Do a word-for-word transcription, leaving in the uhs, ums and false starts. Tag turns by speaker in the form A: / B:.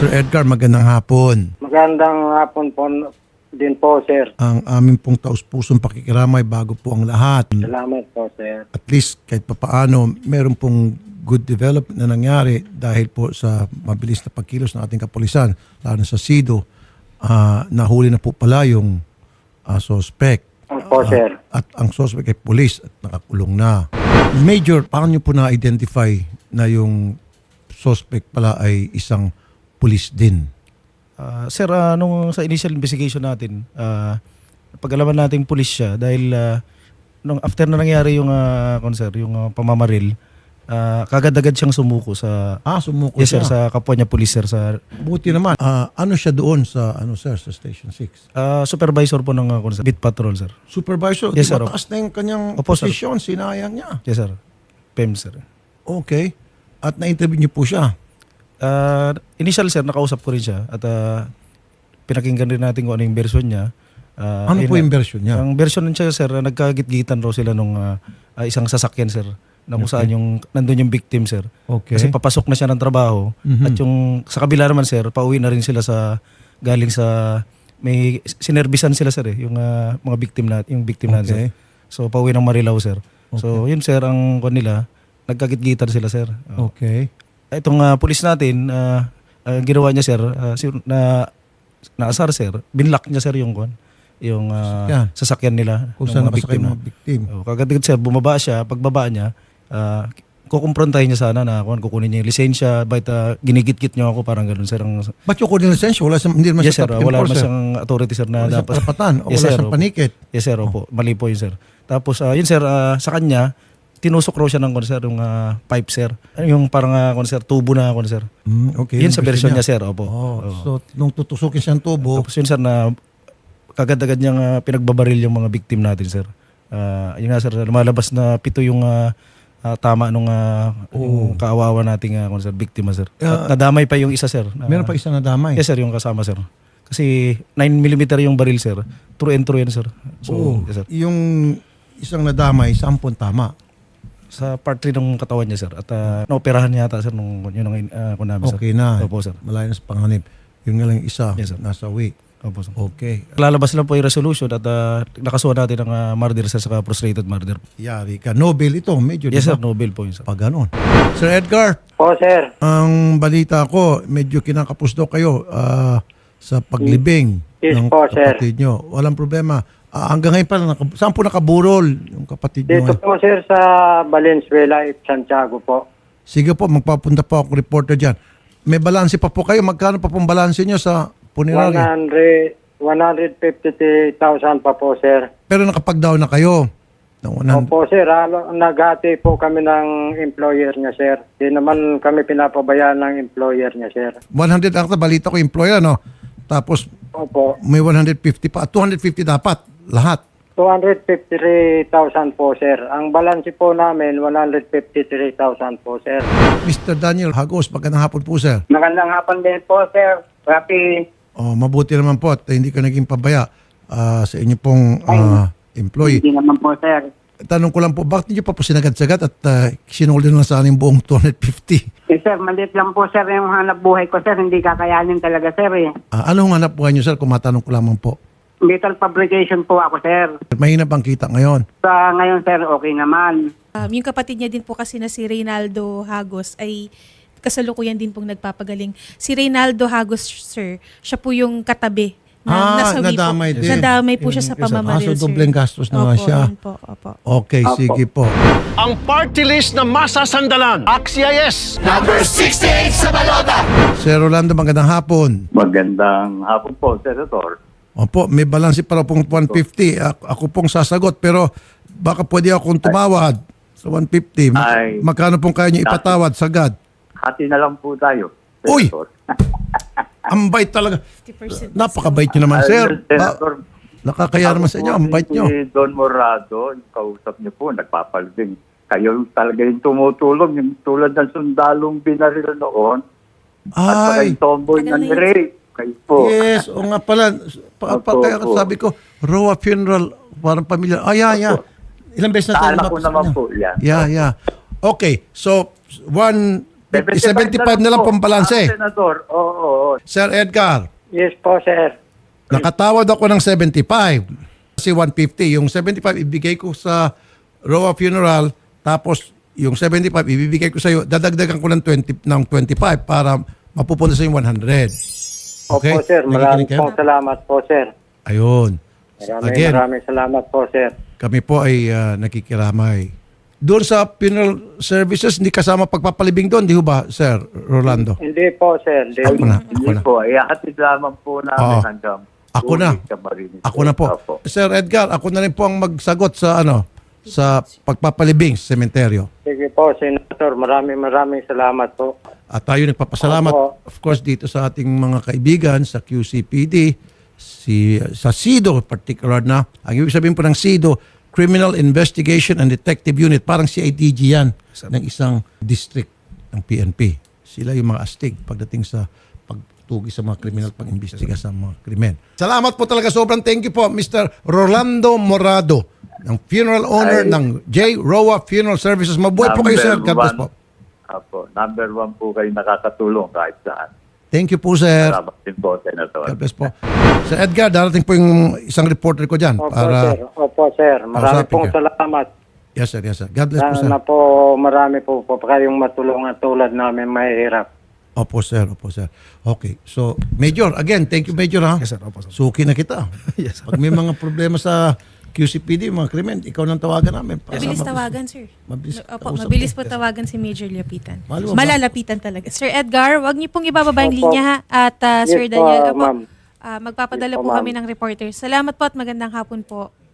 A: Sir Edgar, magandang hapon.
B: Magandang hapon po din po, sir.
A: Ang aming pong taus-pusong pakikiramay bago po ang lahat.
B: Salamat po, sir.
A: At least kahit papaano, meron pong good development na nangyari dahil po sa mabilis na pagkilos ng ating kapulisan, lalo na sa SIDO, uh, nahuli na po pala yung uh, suspect.
B: Opo,
A: Uh,
B: sir.
A: at ang suspect ay police at nakakulong na. Major, paano nyo po na-identify na yung suspect pala ay isang police din?
C: Uh, sir, uh, nung sa initial investigation natin, uh, pag-alaman natin pulis siya dahil uh, nung after na nangyari yung uh, sir, yung uh, pamamaril, uh, kagad-agad siyang sumuko sa
A: Ah, sumuko
C: yes,
A: siya.
C: sir, sa kapwa niya pulis, sir, sa
A: Buti naman. Ah, ano siya doon sa ano sir sa Station six?
C: uh, supervisor po ng uh, sir, beat patrol, sir.
A: Supervisor,
C: Yes,
A: di
C: sir.
A: mataas na yung kanyang
C: Opo, sir.
A: posisyon, sinayang niya.
C: Yes, sir. P E M, sir.
A: Okay. At na-interview niyo po siya.
C: Uh, initial, sir, nakausap ko rin siya at uh, pinakinggan rin natin kung ano yung version niya. Uh,
A: Ano
C: ayun
A: po
C: na-
A: yung version niya?
C: Ang version niya, sir, uh, nagkagit-gitan raw sila nung uh, uh, isang sasakyan, sir, na kung saan yung, nandun yung victim, sir.
A: Okay.
C: Kasi papasok na siya ng trabaho.
A: Mhm.
C: At yung sa kabila naman, sir, pauwi na rin sila sa galing sa may sinerbisan sila, sir, eh, yung uh, mga victim na yung victim na,
A: Okay.
C: sir. So pauwi ng Marilao, sir. So yun, sir, ang kon nila, nagkagit-gitan sila, sir. Oh.
A: Okay.
C: Itong uh, pulis natin, uh, uh, ginawa niya, sir, uh, si- na naasar, sir. Binlock niya, sir, yung kon yung uh,
A: Sasakyan.
C: sasakyan nila
A: Kung
C: ng
A: saan
C: mga
A: nakasakay
C: biktima.
A: mga victim.
C: Oh, kagad sir, bumaba siya, pagbaba niya, uh, kukumprontahin niya sana na kung kukunin niya yung lisensya, bakit uh, ginigit-git niyo ako, parang ganoon, sir. Ang,
A: Ba't yung kunin lisensya? Wala siyang, hindi naman
C: yes,
A: siya
C: sir,
A: traffic
C: wala naman
A: enforcer.
C: siyang authority, sir, na
A: Wala siyang
C: dapat.
A: karapatan o
C: Yes,
A: wala
C: sir,
A: siyang
C: opo.
A: panikit.
C: Yes, sir, opo. Mali po yun, sir. Tapos, uh, yun, sir, uh, sa kanya, tinusok raw siya ng, sir, yung uh, pipe, sir. Yung parang, uh, sir, tubo na, sir.
A: Mm, okay.
C: Yun
A: yung
C: sa version niya, sir, opo.
A: Oh,
C: Oo.
A: so nung tutusukin siyang tubo,
C: Tapos yun, sir, na kagad-agad niyang uh, pinagbabaril yung mga victim natin, sir. Uh, yun nga, sir, lumalabas na pito yung uh, uh, tama nung uh, yung kaawawa nating uh, sir, biktima, sir. At nadamay pa yung isa, sir. Uh,
A: meron pa isang nadamay.
C: Yes, sir, yung kasama, sir. Kasi nine millimeter yung baril, sir. True and true yan, sir. So,
A: Oo.
C: yes, sir.
A: Yung isang nadamay, sampun tama.
C: Sa part three ng katawan niya, sir. At uh, naoperahan niya yata, sir, nung yun ang uh, namin, sir.
A: Okay na.
C: Opo, sir.
A: Malayo na sa panganib. Yung nga lang isa,
C: Yes, sir.
A: nasa way.
C: Opo, sir.
A: Okay.
C: Lalabas lang po yung resolution at uh, nakasuha natin ng uh, murder, sir, saka frustrated murder.
A: Yari ka. Nobel ito, medyo.
C: Yes,
A: di
C: sir,
A: ba?
C: Nobel po yun, sir.
A: Pag ganon. Sir Edgar,
B: Po, sir.
A: ang balita ko, medyo kinakapos daw kayo ah, sa paglibing
B: Yes
A: ng
B: po, sir.
A: kapatid nyo. Walang problema. Ah, hanggang ngayon pa, naka, saan po nakaburol yung kapatid nyo?
B: Dito po, sir, sa Valenzuela, Santiago po.
A: Sige po, magpapunta po ako reporter dyan. May balanse pa po kayo. Magkano pa pong balanse nyo sa punerarya?
B: one hundred fifty thousand pa po, sir.
A: Pero nakapag-down na kayo. Ng one hundred.
B: Opo, sir. Halo, naghati po kami ng employer niya, sir. Di naman kami pinapabayaan ng employer niya, sir.
A: one hundred ang balita ko, employer, no? Tapos
B: Opo.
A: may one hundred fifty pa. two hundred fifty dapat. Lahat.
B: two hundred fifty-three thousand po, sir. Ang balance po namin, one hundred fifty-three thousand po, sir.
A: mister Daniel Hagos, magandang hapon po, sir.
B: Magandang hapon din po, sir. Happy.
A: Oh, mabuti naman po at hindi ka naging pabaya ah, sa inyo pong ah, employee.
B: Hindi naman po, sir.
A: Tanong ko lang po, bakit niyo pa po sinagad-sagad at uh, sinulden lang sa aning buong two hundred fifty?
D: Eh, sir, maliit lang po, sir, yung hanap buhay ko, sir. Hindi kakayanin talaga, sir, eh.
A: Ah, anong hanap buhay niyo, sir, kung matanong ko lamang po?
D: Metal fabrication po ako, sir.
A: Mahina bang kita ngayon?
D: Sa ngayon, sir, okay naman.
E: Um, yung kapatid niya din po kasi na si Reynaldo Hagos ay kasalukuyan din pong nagpapagaling. Si Reynaldo Hagos, sir, siya po yung katabi.
A: Ah,
E: nasawi
A: nadamay
E: po.
A: din.
E: Nadamay po siya sa
C: Yes, sir.
A: Ah,
E: pamamaril,
A: so
E: sir.
A: dobleng gastos na nga
E: Opo,
A: siya.
E: yun po, opo.
A: Okay, sige po.
F: Ang party list na masasandalan. Axies!
A: Sir Rolando, magandang hapon.
G: Magandang hapon po, Senator.
A: Opo, may balanse para pong one fifty. Ako, ako pong sasagot, pero baka pwede akong tumawad sa one fifty. Mag-
G: Ay.
A: magkano pong kaya niyo ipatawad sagad?
G: Hati na lang po tayo,
A: Uy!
G: Senator.
A: Ang bait talaga.
E: fifty percent.
A: Napakabait niyo naman,
G: Ay,
A: sir. Ba-
G: Senator,
A: nakakaya naman sa inyo. Ang bait niyo.
G: Si Don Morado, yung kausap niyo po, nagpapalbing. Kayo talaga yung tumutulong, yung tulad ng sundalong binaril noon. At saka
A: Ay,
G: yung tomboy
E: Tagal
G: ng
E: na yun.
G: rape. Kayo po.
A: yes. O nga pala. Pa, pa,
G: Opo,
A: kaya
G: opo.
A: sabi ko, Roa Funeral, parang pamilya. Ay, yeah, yeah. Ilang beses na
G: Sa
A: tayo
G: anak ko
A: lumapit sa
G: naman
A: kanya.
G: po, yan.
A: Yeah, yeah. Okay, so, one, seventy-five na lang pong balanse.
G: Ah, Senator, oo, oo, oo. po.
A: Sir Edgar,
B: Yes po, sir.
A: nakatawad ako ng seventy-five. Kasi one fifty. Yung seventy-five ibigay ko sa Roa Funeral, tapos yung seventy-five ibibigay ko sa iyo. Dadagdagan ko ng twenty ng twenty-five para mapupunta sa yung one hundred. Okay?
B: Opo, sir. Maraming
A: Nakikinig kayo?
B: pong salamat po, sir.
A: Ayun.
B: Maraming
A: Again,
B: maraming salamat po, sir.
A: kami po ay ah, nakikiramay. Doon sa funeral services, hindi kasama pagpapalibing doon, di ho ba, Sir Rolando?
B: Hindi po, sir. Hindi.
A: Ako na, ako
G: Hindi
A: na.
G: po, ihatid lamang po namin
A: Oo.
G: hanggang
A: Ako na.
G: Ulit sa Marinis
A: Ako na po.
G: Opo.
A: Sir Edgar, ako na rin po ang magsagot sa ano, sa pagpapalibing sa sementeryo.
B: Sige po, Senator. Maraming maraming salamat po.
A: At tayo nagpapasalamat,
B: Opo.
A: of course, dito sa ating mga kaibigan sa Q C P D, si, sa SIDO particular na. Ang ibig sabihin po ng SIDO, Criminal Investigation and Detective Unit. Parang C I D G yan ng isang district ng P N P. Sila yung mga astig pagdating sa pagtugi sa mga kriminal, pag-imbestiga sa mga krimen. Salamat po talaga. Sobrang thank you po, Mister Rolando Morado, ng funeral owner
G: Ay.
A: ng J. Roa Funeral Services. Mabuhay po kayo, sir. God bless po.
G: Opo, number one po kayo nakakatulong kahit saan.
A: Thank you po, sir.
G: Salamat din po, Senator.
A: God bless po. Sir Edgar, darating po yung isang reporter ko dyan.
B: Opo,
A: Para,
B: sir. Opo, sir. Marami
A: Kausapin
B: pong
A: ka.
B: salamat.
A: yes, sir. Yes, sir. God bless po, sir.
B: Sana po marami po po kayong matulungan tulad namin mahirap.
A: Opo, sir. Opo, sir. Okay. So, Major, again, thank you, Major, ha?
C: Yes, sir. Opo, sir.
A: Suki na kita.
C: Yes, sir.
A: Pag may mga problema sa Q C P D, mga krimen, ikaw nang tawagan namin. Para
E: Mabilis
A: sa-
E: tawagan, sir.
A: Mabilis
E: Opo,
A: kausap
E: mabilis
A: ko.
E: po tawagan si Major Lapitan.
A: Maluwag ba?
E: Malalapitan talaga. Sir Edgar, wag niyo pong ibababa yung
B: Opo.
E: linya ha. At ah,
B: Yes
E: Sir
B: po,
E: Daniel, opo,
B: ma'am.
E: ah, magpapadala
B: Yes po,
E: po kami
B: ma'am.
E: ng reporter. Salamat po at magandang hapon po.